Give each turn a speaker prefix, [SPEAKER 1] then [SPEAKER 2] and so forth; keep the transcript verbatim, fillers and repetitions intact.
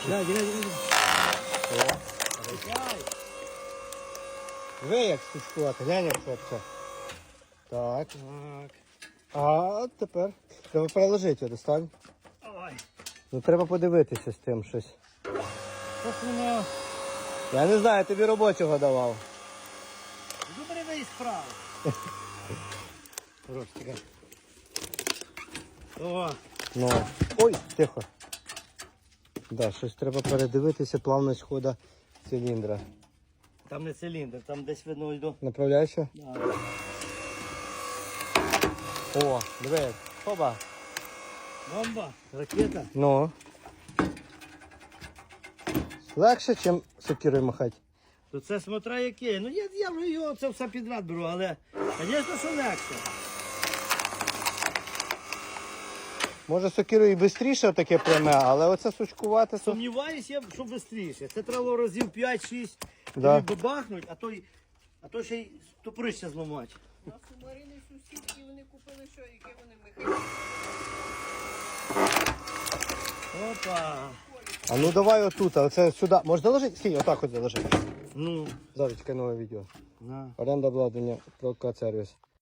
[SPEAKER 1] Дай, дай, дай.
[SPEAKER 2] Ви як стучкувати, глянь, як хлопче. Так.
[SPEAKER 1] Так.
[SPEAKER 2] А тепер треба переложити його, достань.
[SPEAKER 1] Ой.
[SPEAKER 2] Ну треба подивитися з тим щось.
[SPEAKER 1] Ось воно.
[SPEAKER 2] Я не знаю, тобі робочого давав.
[SPEAKER 1] Добре вийсь справа. Хорош, тікай. О,
[SPEAKER 2] Ну. Ой, тихо. Да, щось треба передивитися, плавність хода циліндра.
[SPEAKER 1] там не циліндр, там десь видно йду.
[SPEAKER 2] Направляйся.
[SPEAKER 1] Да.
[SPEAKER 2] О, диви. Хоба.
[SPEAKER 1] Бомба, ракета.
[SPEAKER 2] Ну. Легше, ніж сокирою махати.
[SPEAKER 1] То це смотря яке. Ну я, я вже його це все підряд беру, але звісно, що легше.
[SPEAKER 2] Може сокирою і швидше таке пряме, але оце сучкувати. то-
[SPEAKER 1] Сумніваюсь, я, що швидше. Це треба разів п'ять-шість
[SPEAKER 2] Да.
[SPEAKER 1] бабахнуть, а то, й- а то ще й топорище зламати.
[SPEAKER 3] У нас у Марини сусідки, вони купили що, яке вони механічне.
[SPEAKER 1] Опа.
[SPEAKER 2] А ну давай отут, а оце сюди. Можеш заложити? Стій, отак от заложи.
[SPEAKER 1] Ну,
[SPEAKER 2] Зараз чекай нове відео.
[SPEAKER 1] на.
[SPEAKER 2] Оренда обладнання, прокат сервіс.